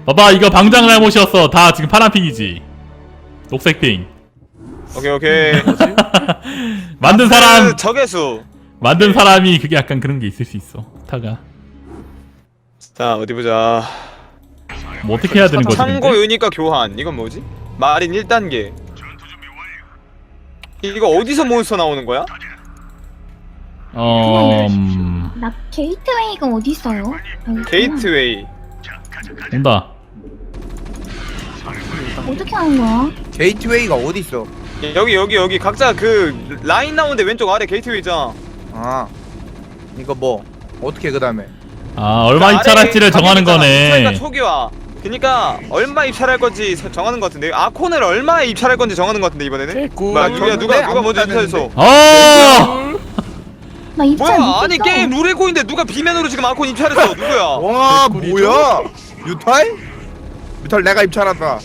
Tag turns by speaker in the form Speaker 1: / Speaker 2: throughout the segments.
Speaker 1: 봐봐 이거 방장 잘못이었어. 다 지금 파란핑이지. 녹색핑.
Speaker 2: 오케이.
Speaker 1: 만든 사람
Speaker 2: 적외수.
Speaker 1: 만든 사람이 그게 약간 그런 게 있을 수 있어. 타가
Speaker 2: 자 어디 보자.
Speaker 1: 뭐 어떻게 해야 되는 거지?
Speaker 2: 창고
Speaker 1: 근데?
Speaker 2: 유닛과 교환. 이건 뭐지? 마린 1단계. 이거 어디서 몬스터 나오는 거야?
Speaker 3: 나 게이트웨이가 어디 있어요?
Speaker 2: 게이트웨이.
Speaker 1: 온다.
Speaker 3: 어떻게 하는 거야?
Speaker 4: 게이트웨이가 어디 있어?
Speaker 2: 여기 각자 그 라인 나오는데 왼쪽 아래 게이트웨이 있잖아.
Speaker 4: 아 이거 뭐 어떻게 그다음에?
Speaker 1: 아 얼마
Speaker 2: 그
Speaker 1: 입찰할지를
Speaker 2: 아래
Speaker 1: 정하는
Speaker 2: 가격이잖아.
Speaker 1: 거네.
Speaker 2: 입찰가 초기화. 그니까 얼마 입찰할 건지 정하는 것 같은데. 아콘을 얼마에 입찰할 건지 정하는 것 같은데 이번에는. 뭐야 누가 먼저 입찰했어?
Speaker 1: 어.
Speaker 3: 나 입찰
Speaker 2: 뭐야
Speaker 3: 못했어.
Speaker 2: 아니 게임 룰에 꼬인데 누가 비면으로 지금 아콘 입찰했어? 누구야?
Speaker 4: 와 뭐야? 뮤탈 내가 입찰한다.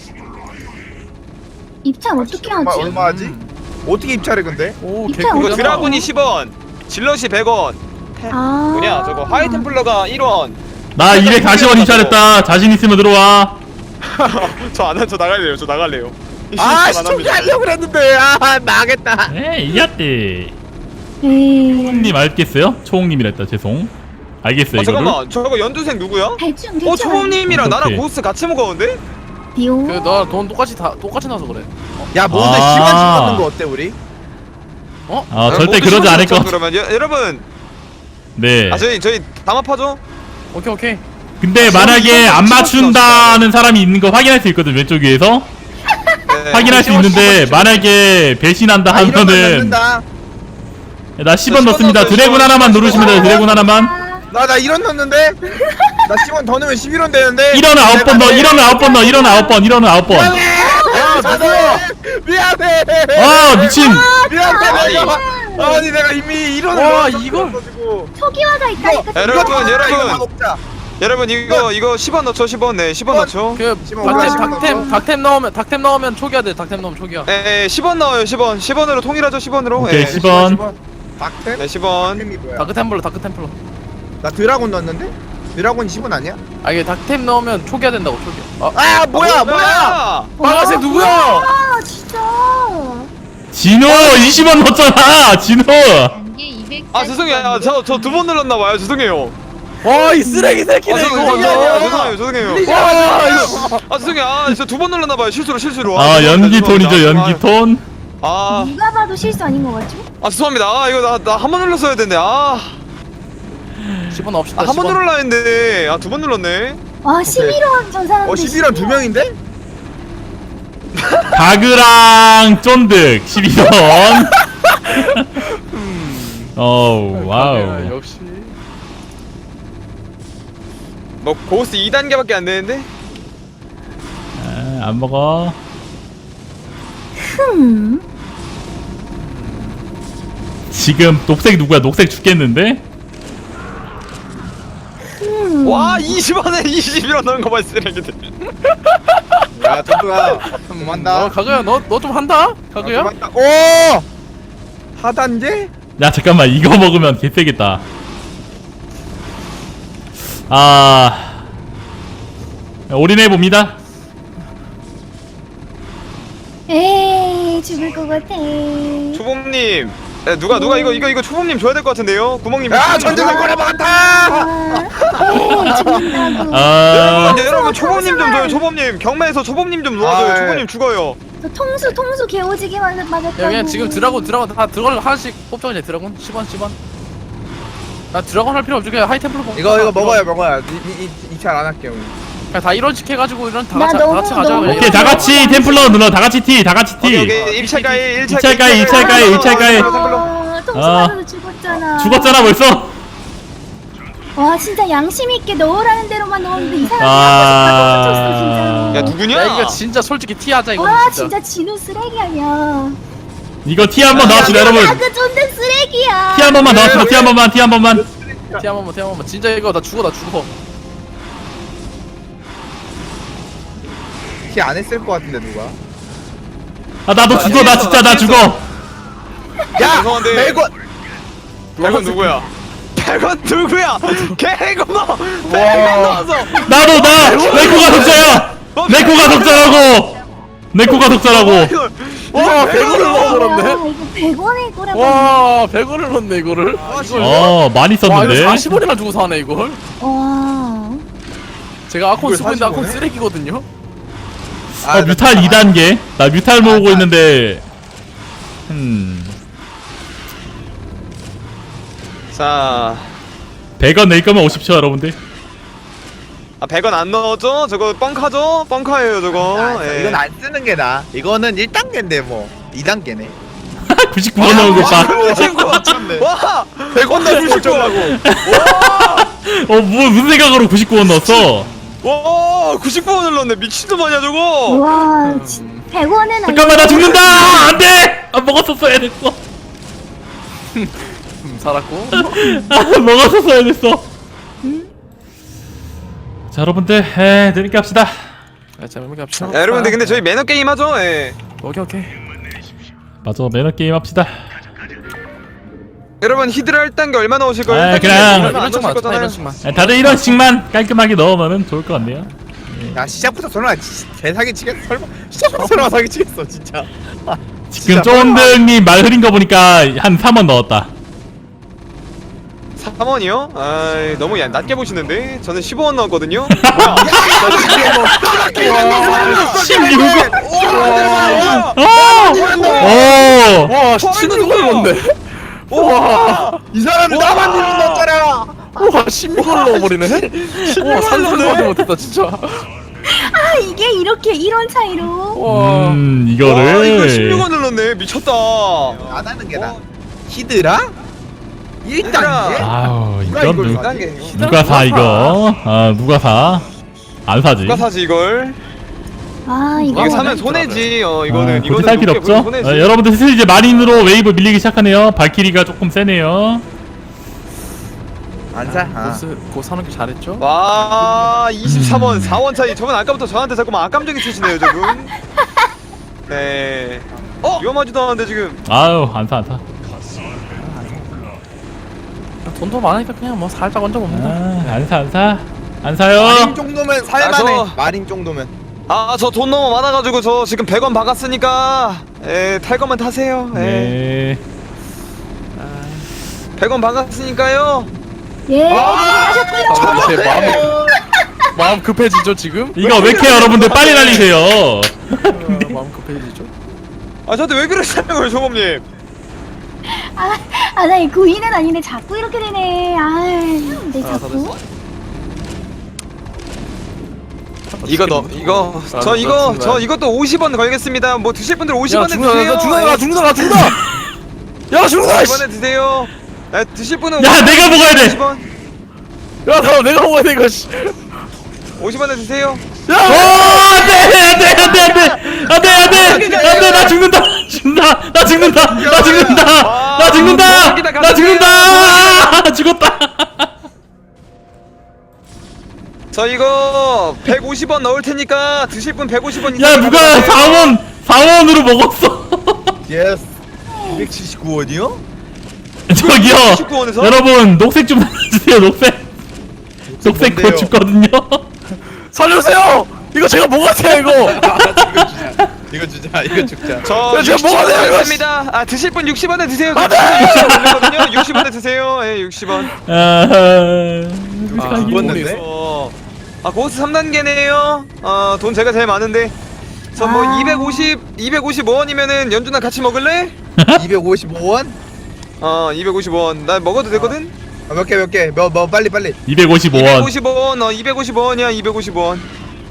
Speaker 3: 입찰 어떻게 하지?
Speaker 4: 얼마 하지? 어떻게 입찰해 근데?
Speaker 5: 오
Speaker 3: 입찰
Speaker 2: 이거
Speaker 3: 어디서?
Speaker 2: 드라군이 10원, 질럿이 100원.
Speaker 3: 아
Speaker 2: 뭐냐 저거 하이템플러가 1원.
Speaker 1: 나 240원 입찰했다. 자신 있으면 들어와.
Speaker 2: 저 나갈래요. 저 나갈래요.
Speaker 4: 아 시청자 하려고 그랬는데 아 나겠다.
Speaker 1: 에이 이겼대.
Speaker 3: 에이
Speaker 1: 초홍님 알겠어요? 초홍님이랬다. 죄송. 알겠어요 이거를.
Speaker 2: 잠깐만 저거 연두색 누구야?
Speaker 3: 대충
Speaker 2: 초범님이랑 나랑
Speaker 1: 오케이.
Speaker 2: 고스 같이 먹었는데?
Speaker 3: 비오
Speaker 5: 그너돈 똑같이 나서 그래.
Speaker 4: 야 뭔데
Speaker 1: 아.
Speaker 4: 시간 찍는 거 어때 우리?
Speaker 1: 아 절대 그러지 않을 것 같아.
Speaker 2: 그러면 여러분
Speaker 1: 네.
Speaker 2: 저희 담합하죠?
Speaker 5: 오케이.
Speaker 1: 근데 만약에 안 맞춘다는 사람이 있는 거 확인할 수 있거든 왼쪽 위에서.
Speaker 2: 네.
Speaker 1: 확인할 수 있는데 만약에 배신한다
Speaker 4: 아 이러면
Speaker 1: 하면은
Speaker 4: 넣는다.
Speaker 1: 나 10원 넣습니다. 드래곤 하나만 누르시면 돼요. 드래곤 하나만.
Speaker 4: 나 1원 넣는데? 나 10원 더 넣으면 11원 되는데?
Speaker 1: 1원 9번 넣어. 1원 9번 넣어. 1원 9번. 1원 9번.
Speaker 4: 야 미안해.
Speaker 1: 아 미친.
Speaker 4: 미안해 내가. 아니 내가 이미 1원을
Speaker 5: 와, 이걸.
Speaker 3: 초기화가 있다니까.
Speaker 2: 여러분 이거 10원 넣죠 10원. 네 10원 넣죠.
Speaker 5: 그 닥템 넣으면 초기화 돼. 닥템 넣으면 초기화.
Speaker 2: 네 10원 넣어요 10원. 10원으로 통일하죠 10원으로.
Speaker 1: 오케이, 10원.
Speaker 4: 박템?
Speaker 2: 네 10원.
Speaker 4: 템이 뭐야?
Speaker 5: 다크 템플러.
Speaker 4: 나 드라곤 넣었는데? 드라곤이 10원 아니야?
Speaker 5: 아 이게 닥템 넣으면 초기화 된다고 초기화.
Speaker 4: 아 뭐야?
Speaker 5: 빨간색 누구야?
Speaker 3: 아 진짜.
Speaker 1: 진호 20원 넣었잖아. 진호.
Speaker 2: 아 죄송해요. 저 두 번 눌렀나봐요. 죄송해요.
Speaker 5: 와 이 쓰레기 새끼네 이거.
Speaker 2: 죄송해요.
Speaker 5: 와 이거.
Speaker 2: 아 죄송해요. 저 두 번 눌렀나봐요. 실수로.
Speaker 1: 아 연기톤이죠. 연기톤.
Speaker 3: 누가 봐도 실수 아닌 것 같죠?
Speaker 2: 죄송합니다. 이거 나 한 번 눌렀어야 됐네.
Speaker 5: 10원 없시다.
Speaker 2: 한 번 눌러라 했는데 두 번 눌렀네.
Speaker 3: 와 11원 전 사람들.
Speaker 4: 11원 2명인데?
Speaker 1: 가그랑 쫀득 12원. 어우 와우.
Speaker 5: 역시.
Speaker 2: 뭐 고스 2단계밖에 안 되는데?
Speaker 1: 안 먹어. 지금 녹색 누구야? 녹색 죽겠는데?
Speaker 2: 와 20원에 21원 넣은 거 봐 쓰레기들.
Speaker 4: 야 정도야 한번 한다.
Speaker 5: 가그야 너 좀 한다? 가그야?
Speaker 4: 오! 하단계?
Speaker 1: 야 잠깐만 이거 먹으면 개세겠다. 올인해 봅니다.
Speaker 3: 에이 죽을 것 같아.
Speaker 2: 초범님. 누가 이거 초범님 줘야 될 것 같은데요? 구멍님.
Speaker 4: 야 전쟁을 꺼내 많다!
Speaker 3: 에이 죽는다고.
Speaker 2: 여러분 초범님 좀 줘요. 초범님 경매에서 초범님 좀 놓아줘요. 초범님 죽어요.
Speaker 3: 저 통수 개오지게 맞았다고.
Speaker 5: 야 그냥 지금 드라곤 다 드라곤 하나씩 뽑자 그냥 드라곤 10원. 나 드라곤 할 필요 없지 그냥 하이템플러 먹.
Speaker 4: 이거 먹어요. 입찰 안 할게요.
Speaker 5: 그냥 다 1원씩 해가지고 이런 다
Speaker 3: 나
Speaker 5: 같이
Speaker 3: 너무
Speaker 5: 가자.
Speaker 3: 너무
Speaker 1: 오케이 다 같이 템플러 눌러. 다 같이 티. 다 같이 티.
Speaker 2: 오케이 입찰가에
Speaker 1: 입찰가에.
Speaker 3: 통수 맞아서 죽었잖아.
Speaker 1: 죽었잖아 벌써.
Speaker 3: 와 진짜 양심 있게 넣으라는 대로만 넣었는데 이 사람이
Speaker 1: 아.
Speaker 3: 하고 싶어서 진짜로.
Speaker 2: 야 누구냐?
Speaker 5: 야 이거 진짜 솔직히 티하자 이거.
Speaker 3: 와 진짜 진우 쓰레기 아니야.
Speaker 1: 이거 티 한 번 넣읍시다 여러분.
Speaker 3: 그 쫀득 쓰레기야.
Speaker 1: 티 한 번만 넣읍시다. 티 한 번만.
Speaker 5: 티 한 번만 진짜 이거 나 죽어.
Speaker 4: 티 안 했을 것 같은데 누가?
Speaker 1: 나도 죽어. 나 진짜 나 죽어.
Speaker 4: 야!
Speaker 2: 죄송한데.
Speaker 4: 100원!
Speaker 2: 100원 누구야? 100원 누구야? 개고마 100원 넣었어.
Speaker 1: 나도 내 코가 독자야. 내 코가 독자라고. 내 코가 독자라고.
Speaker 5: 와 100원을 넣어버렸네.
Speaker 3: 이거 100원일 거라고.
Speaker 5: 와 100원을 넣네 이거를.
Speaker 1: 많이
Speaker 5: 와
Speaker 1: 썼는데.
Speaker 5: 이거 40원이나 주고 사네 이걸.
Speaker 3: 와.
Speaker 5: 제가 아콘 쓰고 있는데 아콘
Speaker 4: 40원에?
Speaker 5: 쓰레기거든요.
Speaker 1: 뮤탈 2단계. 나 뮤탈 모으고 있는데.
Speaker 2: 자,
Speaker 1: 100원 낼 거면 오십시오, 여러분들.
Speaker 2: 100원 안 넣었죠? 저거 뻥카죠? 뻥카예요 저거. 예.
Speaker 4: 이건 안 쓰는 게 나아. 이거는 1단계인데 뭐 2단계네.
Speaker 1: 99원 넣은 거 봐.
Speaker 2: 와
Speaker 4: 100원 넣을 줄 알고.
Speaker 1: 무슨 생각으로 99원 넣었어?
Speaker 2: 와 99원을 넣었네. 미친놈 아니야 저거.
Speaker 3: 와, 100원은
Speaker 1: 잠깐만, 나 죽는다! 안 돼! 먹었었어야 됐어.
Speaker 5: 살았고.
Speaker 1: 먹었었어야 됐어. 자, 여러분들, 재밌게 합시다.
Speaker 5: 자 재밌게 합시다.
Speaker 2: 야, 여러분들 근데 저희 매너 게임 하죠? 예.
Speaker 5: 오케이.
Speaker 1: 맞아, 매너 게임 합시다.
Speaker 2: 여러분 히드라 1단계 얼마 넣으실 거예요?
Speaker 1: 아,
Speaker 2: 1단계
Speaker 1: 그냥
Speaker 2: 얼마 안
Speaker 5: 이런
Speaker 2: 넣으실
Speaker 5: 식만
Speaker 2: 거잖아요.
Speaker 5: 이런 식만.
Speaker 1: 다들 이런 식만 깔끔하게 넣으면 좋을 것 같네요.
Speaker 4: 야 시작부터 설마 개사기 치겠어? 설마 시작부터 설마 사기 치겠어 진짜.
Speaker 1: 지금 쫀득님 말 흐린 거 보니까 한 3원 넣었다.
Speaker 2: 3원이요? 아 너무 낮게 보시는데? 저는 15원 넣었거든요? 뭐야?
Speaker 1: 16원! 오!
Speaker 5: 와 치는 걸 넣었네.
Speaker 2: 와!
Speaker 4: 이 사람은 나만 이름 넣었잖아.
Speaker 5: 와 16원을 넣어버리네. 와 상상도 못했다 진짜.
Speaker 3: 아, 이게 이렇게 이런 차이로.
Speaker 5: 와.
Speaker 2: 와 이거
Speaker 1: 이거를
Speaker 2: 16원을 넣네. 미쳤다.
Speaker 4: 안 하는 게 나. 히드라? 1단계?
Speaker 1: 아우,
Speaker 4: 누가
Speaker 1: 이건
Speaker 4: 이걸
Speaker 1: 누,
Speaker 4: 사?
Speaker 1: 누가 사 이거? 누가 사? 안 사지.
Speaker 2: 누가 사지 이걸?
Speaker 3: 아, 이거.
Speaker 2: 이거 사면 손해지. 이거는
Speaker 1: 굳이 살 필요
Speaker 2: 높게
Speaker 1: 없죠?
Speaker 2: 보면 손해지.
Speaker 1: 여러분들 슬슬 이제 마린으로 웨이브 밀리기 시작하네요. 발키리가 조금 세네요.
Speaker 4: 안 사? 아.
Speaker 5: 고 사는 게 잘했죠?
Speaker 2: 와 23원 4원 차이. 저분 아까부터 저한테 자꾸만 악감정이 치시네요 저분. 네. 위험하지도 않은데 지금.
Speaker 1: 아유, 안 사, 안 사.
Speaker 5: 돈도 많으니까 그냥 뭐 살짝 얹어 봅니다.
Speaker 1: 안 사, 안 사. 안 사요.
Speaker 4: 마린 정도면 살만해.
Speaker 2: 저-
Speaker 4: 마린 정도면.
Speaker 2: 저 돈 너무 많아가지고 저 지금 100원 박았으니까 탈 거면 타세요.
Speaker 1: 네.
Speaker 2: 100원 박았으니까요.
Speaker 3: 예, 하셨고요.
Speaker 5: 제 마음 급해지죠 지금?
Speaker 1: 이거 왜 이렇게 여러분들 빨리 날리세요?
Speaker 5: 마음 급해지죠?
Speaker 2: 저한테 왜 그러시냐고요 조범님.
Speaker 3: 나 이 구이는 아닌데 자꾸 이렇게 되네. 내
Speaker 5: 다
Speaker 3: 자꾸.
Speaker 2: 이거 저 이것도 50원 걸겠습니다. 뭐 드실 분들 50원에 드세요.
Speaker 5: 나 죽는다. 야 죽는다.
Speaker 2: 50원에 드세요. 드실 분은
Speaker 1: 야, 내가 먹어야 돼.
Speaker 2: 50원.
Speaker 5: 야 나 내가 먹어야 돼 이거. 씨.
Speaker 2: 50원에 드세요.
Speaker 1: 안돼, 나 죽는다, 나 죽었다.
Speaker 2: 저 이거 150원 넣을 테니까 드실 분 150원 이상.
Speaker 1: 야, 누가 4원으로 먹었어?
Speaker 4: 예스. 279원이요?
Speaker 1: 저기요,
Speaker 2: 19원에서?
Speaker 1: 여러분 녹색 좀 주세요. 녹색 곧
Speaker 4: 뭔데요?
Speaker 1: 죽거든요.
Speaker 5: 살려주세요. 이거 제가 먹었어요 이거.
Speaker 4: 이거 죽자.
Speaker 2: 저
Speaker 5: 야, 제가 먹어야 돼요, 이거.
Speaker 2: 60원입니다. 드실 분 60원에 드세요. 저 60원 올리거든요. 60원에 드세요. 60원.
Speaker 4: 죽었는데?
Speaker 2: 고스 3단계네요. 돈 제가 제일 많은데. 저 뭐 255원이면은 연준아 같이 먹을래?
Speaker 4: 255원?
Speaker 2: 255원. 나 먹어도 되거든?
Speaker 4: 몇 개? 뭐 빨리.
Speaker 1: 255원.
Speaker 2: 255원. 255원이야. 255원.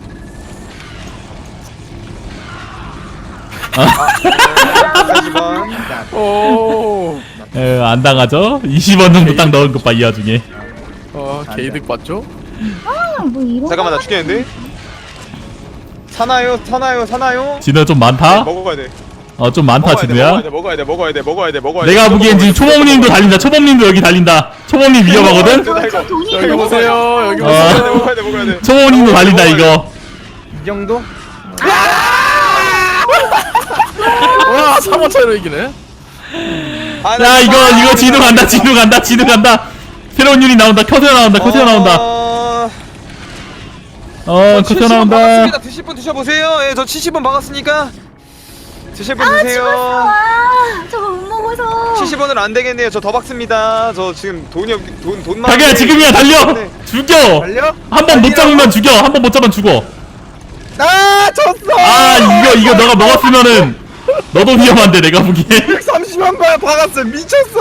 Speaker 5: 오.
Speaker 1: 안 당하죠? 20원 정도 딱 넣은 것 봐, 이 와중에.
Speaker 5: 개이득 봤죠?
Speaker 3: 뭐 이런.
Speaker 2: 잠깐만 나 죽겠는데? 사나요?
Speaker 1: 진호 좀 많다?
Speaker 2: 먹어야 돼.
Speaker 1: 좀 많다, 진호야.
Speaker 2: 먹어야 돼.
Speaker 1: 내가 보기엔 지금 초범님도 달린다. 초범님도 여기 달린다. 초범님 위험하거든?
Speaker 3: 저 돈이
Speaker 5: 여기
Speaker 3: 너무
Speaker 5: 보세요. 여기
Speaker 1: 어.
Speaker 5: 보세요.
Speaker 2: 먹어야 돼.
Speaker 1: 초범님도 달린다, 이거.
Speaker 4: 이 정도?
Speaker 5: 와 3원 차이로 이기네.
Speaker 1: 야, 이거 진호 간다. 새로운 유닛 나온다. 커세어 나온다. 커세어 나온다. 커세어
Speaker 2: 70분
Speaker 1: 나온다.
Speaker 2: 박았습니다. 드실 분 드셔보세요. 예, 저 70분 박았으니까 드실 분
Speaker 3: 아
Speaker 2: 드세요.
Speaker 3: 죽었어. 아 저거 못 먹어서.
Speaker 2: 70원은 안 되겠네요. 저 더 박습니다. 저 지금 돈만.
Speaker 1: 자기야 지금이야 달려. 죽여.
Speaker 4: 달려?
Speaker 1: 한 번 못 잡으면 죽여. 한 번 못 잡으면 죽어.
Speaker 4: 아 졌어.
Speaker 1: 아 이거 너가 먹었으면은 너도 위험한데 내가 보기에.
Speaker 4: 130만 발 박았어. 미쳤어.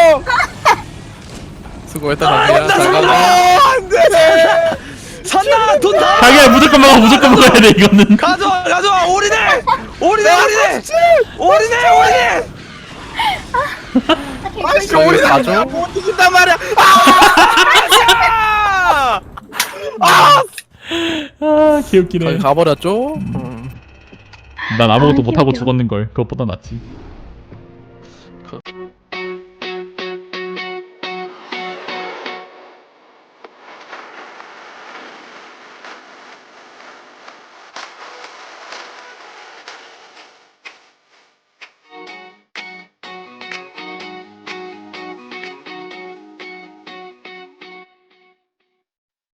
Speaker 5: 수고했다 자기야. 잘 가고.
Speaker 4: 안돼.
Speaker 2: 산다. 돈 다.
Speaker 1: 자기야 무조건 먹어. 무조건 먹어야 돼 이거는.
Speaker 2: 가져와. 올인해. 올인해.
Speaker 4: 아씨
Speaker 5: 저기
Speaker 4: 우리
Speaker 5: 가죠?
Speaker 4: 나못 이긴단 말이야.
Speaker 2: 아!
Speaker 1: 아 개웃기네.
Speaker 5: 저기 가버렸죠?
Speaker 1: 난 아무것도
Speaker 3: 아,
Speaker 1: 못하고
Speaker 3: 귀엽다.
Speaker 1: 죽었는걸. 그것보다 낫지.